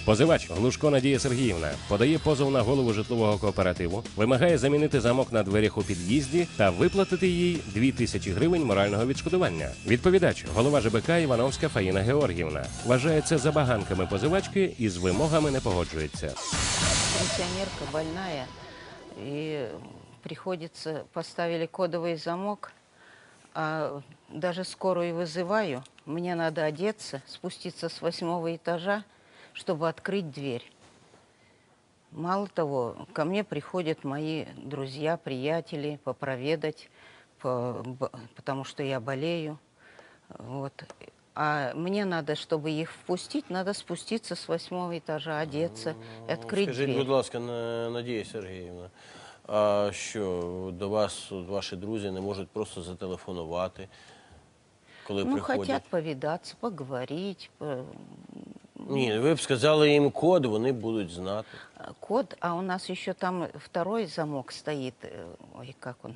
Позивач Глушко Надія Сергіївна подає позов на голову житлового кооперативу, вимагає замінити замок на дверях у під'їзді та виплатити їй 2000 гривень морального відшкодування. Відповідач – голова ЖБК Івановська Фаїна Георгіївна. Вважає це забаганками позивачки і з вимогами не погоджується. Пенсионерка больная, и приходится, поставили кодовый замок, а даже скорую вызываю, мне надо одеться, спуститься с 8-го этажа, чтобы открыть дверь. Мало того, ко мне приходят мои друзья, приятели попроведать, потому что я болею. Вот. А мне надо, чтобы их впустить, надо спуститься с 8-го этажа, одеться, открыть дверь. Скажіть, будь ласка, Надія Сергіївна, а що, до вас ваші друзі не можуть просто зателефонувати, коли приходять? Хотят повидаться, поговорить. Ні, ви б сказали їм код, вони будуть знати. Код, а у нас еще там второй замок стоит. Ой,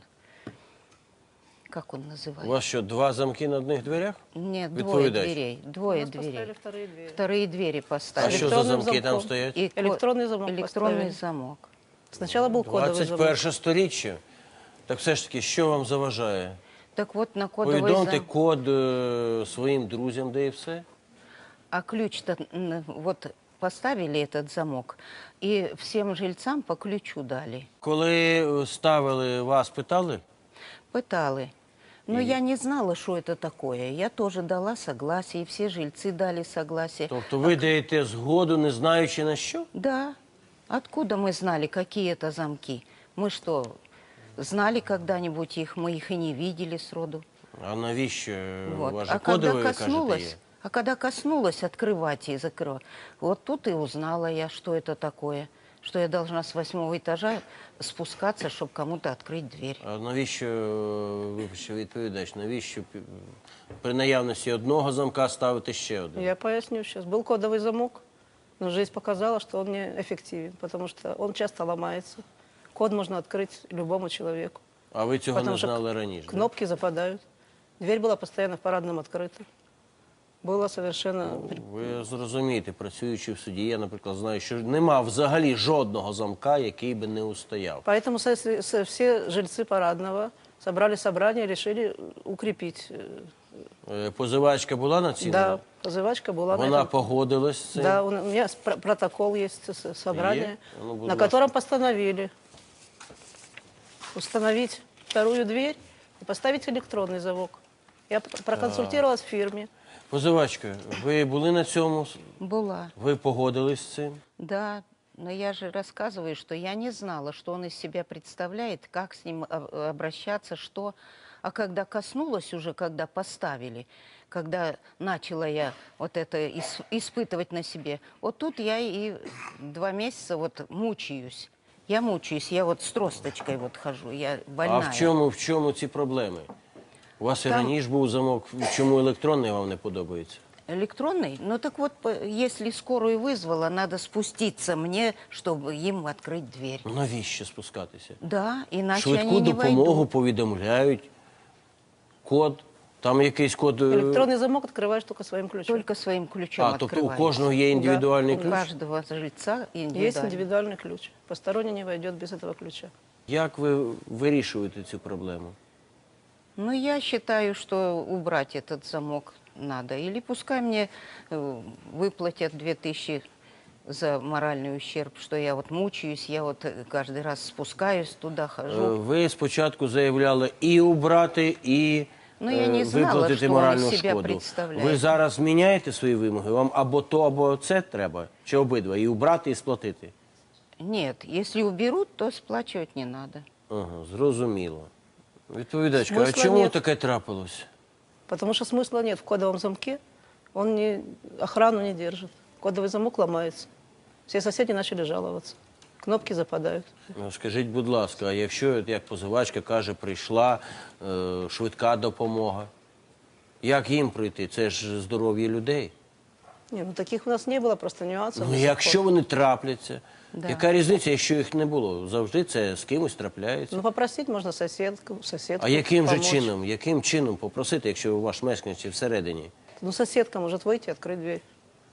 как он называется? У вас що, два замки на одних дверях? Нет, двое Відповідач. дверей. Двое дверей. Вторые двери А поставили. що за замки там стоять? И Электронный замок электронный поставили. замок. Сначала был кодовый замок. 21 сторіччя. Так все ж таки, що вам заважає? Так вот, на кодовый Повідомте замок. код своїм друзям, де і все? А ключ-то вот поставили этот замок, и всем жильцам по ключу дали. Коли ставили, вас питали? Пытали. Но я не знала, что это такое. Я тоже дала согласие, и все жильцы дали согласие. Тобто ви даєте згоду, не знаючи на що? Да. Откуда мы знали, какие это замки? Мы что, знали когда-нибудь их? Мы их и не видели сроду. А навіщо? Вот. У вас же А когда кодовий, кажете, є. коснулась открывать и закрывать, вот тут и узнала я, что это такое. Что я должна с 8-го этажа спускаться, чтобы кому-то открыть дверь. А навіщо, вибачте, відповідач, навіщо при наявності одного замка ставити ще один? Я поясню сейчас. Был кодовый замок, но жизнь показала, что он неэффективен, потому что он часто ломается. Код можно открыть любому человеку. А ви цього Потому не что знали раніше? Кнопки западают. Дверь была постоянно в парадном открыта. Было совершенно... Ви зрозумієте, працюючи в суді, я, наприклад, знаю, що нема взагалі жодного замка, який би не устояв. Поэтому все жильцы парадного собрали собрание и решили укрепить. Позивачка була на цій? Да, позывачка была Вона на этом. погодилась з цим? Да, у меня протокол есть собрания, Ну, будь на ласка. котором постановили установить вторую дверь и поставить электронный замок. Я проконсультировалась в фирме. Позивачка, ви були на цьому? Была. Ви погодились з цим? Да, но я же рассказываю, что я не знала, что он из себя представляет, как с ним обращаться, что... А когда коснулась уже, когда поставили, когда начала я вот это испытывать на себе, вот тут я и 2 месяца вот мучаюсь. Я мучаюсь, я вот с тросточкой вот хожу, я больная. А в чому ці проблеми? У вас і Там- раніше був замок, чому електронний вам не подобається? Электронный? Ну так вот, если скорую вызвала, надо спуститься мне, чтобы им открыть дверь. Навіщо спускатися? Да, иначе Швидку они не допомогу войдут. повідомляють, код, там якийсь код... Электронный замок открываешь только своим ключом. Только своим ключом А, тобто у открывается. кожного є індивідуальний У ключ? каждого жильца индивидуальный. Есть индивидуальный ключ. Посторонний не войдет без этого ключа. Як ви вирішуєте цю проблему? Ну, я считаю, что убрать этот замок надо. Или пускай мне выплатят 2000 за моральный ущерб, что я вот мучаюсь, я вот каждый раз спускаюсь туда, хожу. Ви спочатку заявляли і убрати, і Ну, я не знала, виплатити що він моральну себе шкоду. представляє. Ви зараз зміняєте свої вимоги? Вам або то, або це треба? Чи обидва? І убрати, і сплатити? Нет, если уберут, то сплачивать не надо. Ага, зрозуміло. Відповідачка, а Смисла чому нет. таке трапилось? Потому что смысла нет в кодовом замке. Он охрану не держит. Кодовый замок ломается. Все соседи начали жаловаться. Кнопки западают. Ну, скажіть, будь ласка, а якщо, як позивачка каже, прийшла швидка допомога, як їм пройти? Це ж здоров'я людей. Не, ну таких у нас не было, просто нюансов. Ну, до сих якщо пор. вони трапляться, Да. яка різниця, якщо їх не було? Завжди це з кимось трапляється. Ну, попросить можно соседку. А яким же помочь. чином? Яким чином попросити, якщо ваш мешканець всередині? Ну, соседка может выйти и открыть дверь.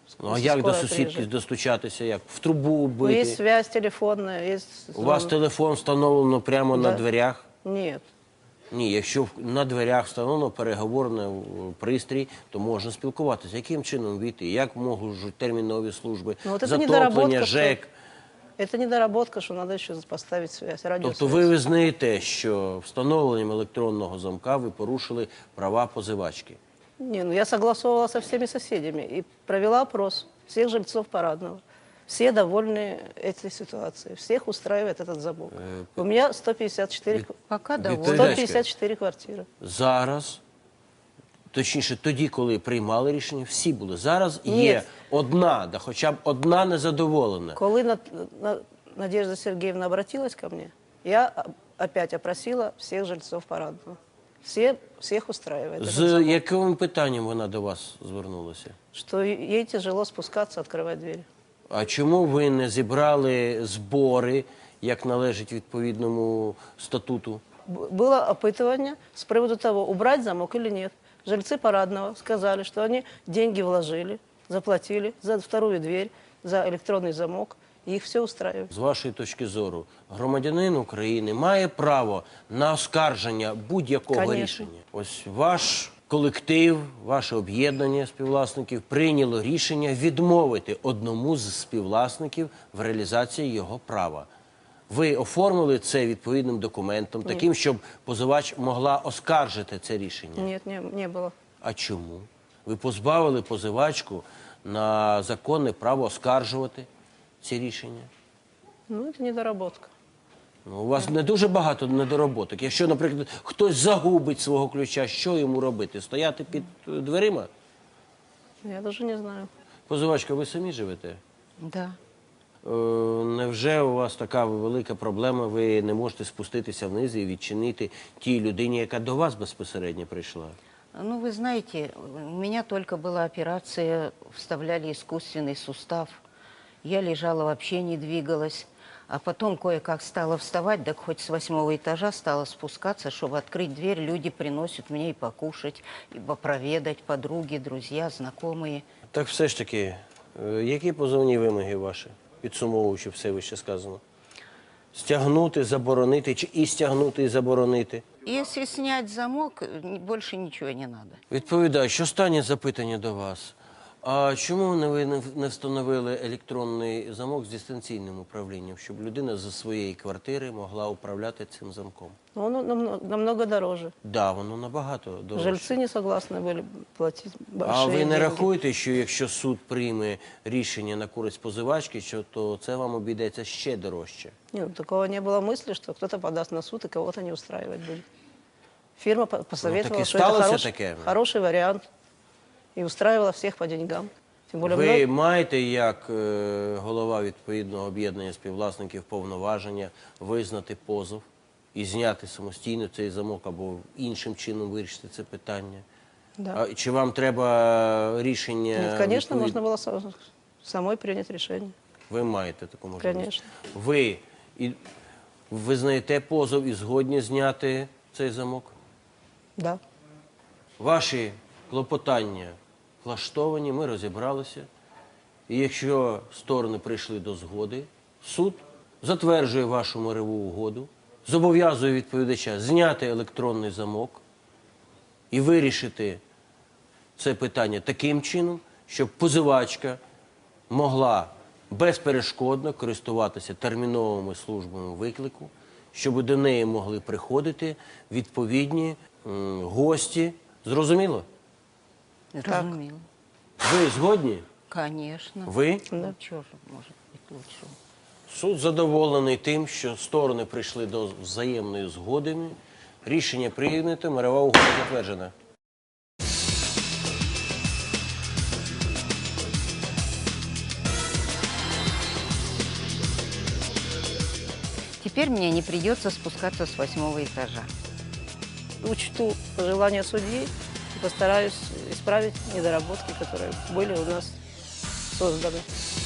Ну, а як до скорая сусідки приезжает. достучатися? Як? В трубу Ну, есть бити? связь телефонная, есть... У вас телефон встановлено прямо на Да. дверях? Нет. Ні, якщо на дверях встановлено переговорний пристрій, то можна спілкуватися. Яким чином війти? Як можуть термінові служби, Ну, от це затоплення, недоработка, ЖЕК? Это недоработка, что надо еще поставить связь, радиосвязь. Тобто ви визнаєте, що встановленням електронного замка ви порушили права позивачки? Не, ну я согласовывала со всеми соседями и провела опрос всех жильцов Парадного. Все довольны этой ситуацией, всех устраивает этот замок. У меня 154, Пока довольно. Передачка. 154 квартиры. Зараз, точніше, тоді, коли приймали рішення, всі були. Зараз Ні. є одна, да хоча б одна незадоволена. Коли Надежда Сергеевна обратилась ко мне, я опять опросила всех жильцов Парадного. Всех устраивает этот З замок. яким питанням вона до вас звернулася? Что ей тяжело спускаться, открывать двери. А чому ви не зібрали збори, як належить відповідному статуту? Было опытывание с приводу того, убрать замок или нет. Жильцы Парадного сказали, что они деньги вложили, заплатили за вторую дверь, за электронный замок, и их все устраивает. З вашої точки зору, громадянин України має право на оскарження будь-якого Конечно. рішення. Ось ваш колектив, ваше об'єднання співвласників прийняло рішення відмовити одному з співвласників в реалізації його права. Ви оформили це відповідним документом, таким, щоб позивач могла оскаржити це рішення? Нет, не было. А чому? Ви позбавили позивачку на законне право оскаржувати ці рішення? Ну, это недоработка. Ну, у вас не дуже багато недороботок. Якщо, наприклад, хтось загубить свого ключа, що йому робити? Стояти під дверима? Я даже не знаю. Позивачка, ви самі живете? Да. Невже у вас така велика проблема, ви не можете спуститися вниз і відчинити тій людині, яка до вас безпосередньо прийшла? Ну, вы знаете, у меня только была операция, вставляли искусственный сустав. Я лежала, вообще не двигалась. А потом кое-как стала вставать, так хоть с 8-го этажа стала спускаться, чтобы открыть дверь. Люди приносят мне и покушать, и проведать, подруги, друзья, знакомые. Так все ж таки, які позовні вимоги ваші, підсумовуючи все вище сказано? Стягнути, заборонити, чи і стягнути, і заборонити? Если снять замок, больше ничего не надо. Відповідач, останнє запитання до вас. А чому ви не встановили електронний замок з дистанційним управлінням, щоб людина зі своєї квартири могла управляти цим замком? Но он намного дороже. Да, воно набагато дорожче. Жильцы не согласны были платить большие А ви не деньги. рахуєте, що якщо суд прийме рішення на користь позивачки, то це вам обійдеться ще дорожче? Нет, ну, такого не было мысли, что кто-то подаст на суд и кого-то не устраивать будет. Фирма посоветовала, и что это сталося таке? хороший вариант. И устраивала всех по деньгам. Тем более Ви маєте, як голова відповідного об'єднання співвласників, повноваження визнати позов і зняти самостійно цей замок або іншим чином вирішити це питання? Да. А, чи вам треба рішення? Нет, конечно, відповідне? можно было самой принять решение. Ви маєте таку можливість? Конечно. Ви визнаєте позов і згодні зняти цей замок? Да. Ваші клопотання влаштовані, ми розібралися. І якщо сторони прийшли до згоди, суд затверджує вашу мирову угоду, зобов'язує відповідача зняти електронний замок і вирішити це питання таким чином, щоб позивачка могла безперешкодно користуватися терміновими службами виклику, щоб до неї могли приходити відповідні гості. Зрозуміло? Разумела. Ви згодні? Конечно. Ви? Ну, что же может быть лучше? Суд задоволений тим, що сторони прийшли до взаємної згоди. Рішення прийнято, мирова угода затверджена. Теперь мне не придется спускаться с 8-го этажа. Учту пожелания судьи и постараюсь исправить недоработки, которые были у нас созданы.